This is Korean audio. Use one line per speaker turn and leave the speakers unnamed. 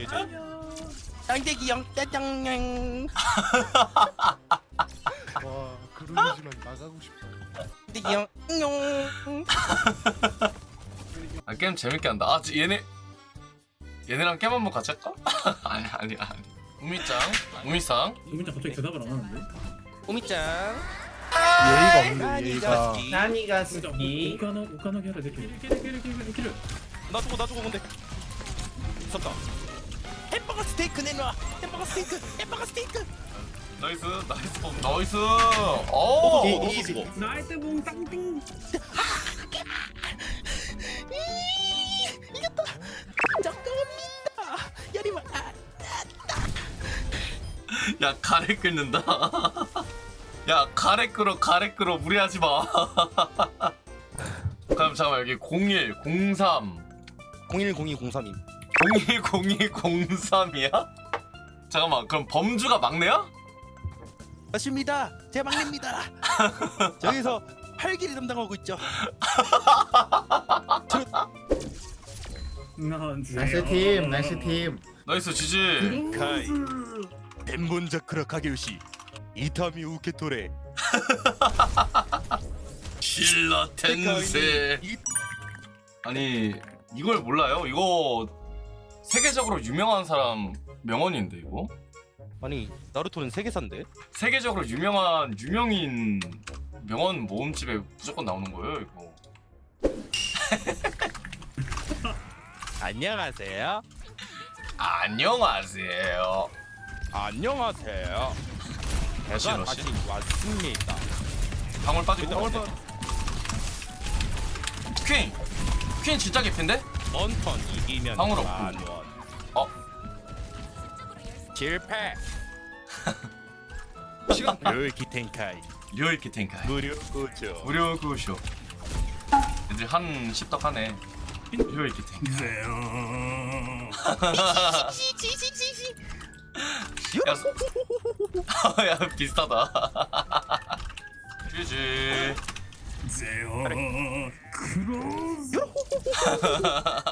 짱대기 형 짜장냥.
와 그러지만 나가고 싶다.
짱대기 형 용.
아, 게임 재밌게 한다. 아, 얘네랑 게임 한번 같이 할까? 아니. 우미짱.
우민짱 갑자기 대답을 안 하는데?
오미짱.
예의가 없네 예의가.
나니가
진짜
스키
우카나기 하라 이렇게 킬을
나 죽어 근데. 있었다. 햄버거 스테이크 내놔. 햄버거 스테이크.
나이스. 오.
나이스 붕 땅띵.
이겼다. 잠깐만니다. 야리마.
야, 가래 끓는다. 야, 가래 끓어 무리하지 마. 그럼 잠깐만, 여기 01, 03
010203임.
010203이야? 잠깐만, 그럼 범주가 막내야?
맞습니다. 제 막내입니다. 저기서 활기를 담당하고 있죠.
나이스 팀 나이스 팀
나이스 지지.
카이. 덴본자크라 카게우시. 이타미 우케토레.
실라 텐세. 아니, 이걸 몰라요? 이거 세계적으로 유명한 사람 명언인데 이거?
아니 나루토는 세계사인데?
세계적으로 유명한 유명인 명언 모음집에 무조건 나오는 거예요 이거.
안녕하세요.
안녕하세요.
안녕하세요. 제가
러시?
다시 왔습니다.
방울 빠지고.
일단
퀸 진짜 개핀데?
원턴 이기면
방울 없고.
만원.
어?
실패. 료이키 텐카이.
료이키 텐카이.
무료 구조.
무료 구쇼. 이제 한 10덕 하네. 료이키 텐카이.
시시시시시.
야, 야 비슷하다. GG.
제요 크로스